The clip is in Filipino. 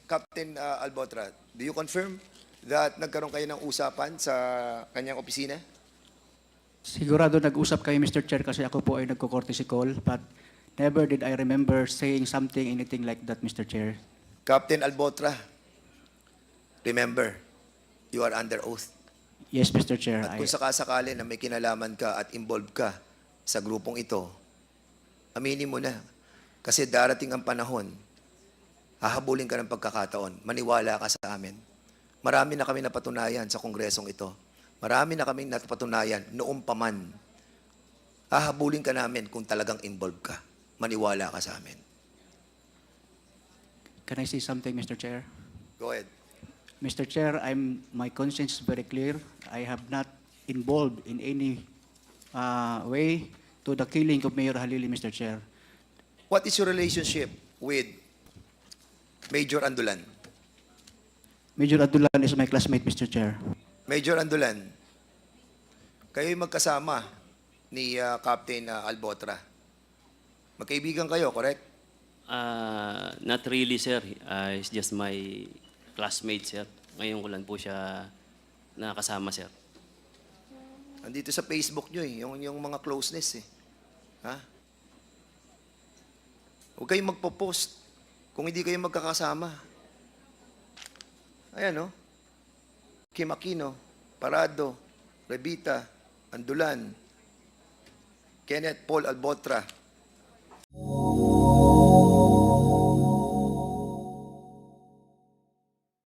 Captain Albotra, do you confirm that nagkaroon kayo ng usapan sa kanyang opisina? Sigurado nag-usap kayo, Mr. Chair, kasi ako po ay nagko-courtesy call, but never did I remember saying something, anything like that, Mr. Chair. Captain Albotra, remember, you are under oath. Yes, Mr. Chair. At kung sakasakali na may kinalaman ka at involved ka sa grupong ito, aminin mo na. Kasi darating ang panahon, hahabulin ka ng pagkakataon, maniwala ka sa amin. Marami na kami napatunayan sa kongresong ito. Marami na kami napatunayan noong paman. Hahabulin ka namin kung talagang involved ka. Maniwala ka sa amin. Can I say something, Mr. Chair? Go ahead. Mr. Chair, my conscience is very clear. I have not involved in any way to the killing of Mayor Halili, Mr. Chair. What is your relationship with Major Andulan? Major Adulan is my classmate, Mr. Chair. Major Andulan, kayo'y magkasama ni Captain Albotra. Magkaibigan kayo, correct? Not really, sir. It's just my classmate, sir. Ngayon ko lang po siya nakasama, sir. Andito sa Facebook nyo yung mga closeness Ha? Huwag kayong magpo-post kung hindi kayo magkakasama. Ayan, Kim Aquino, Parado, Revita, Andulan, Kenneth Paul Albotra,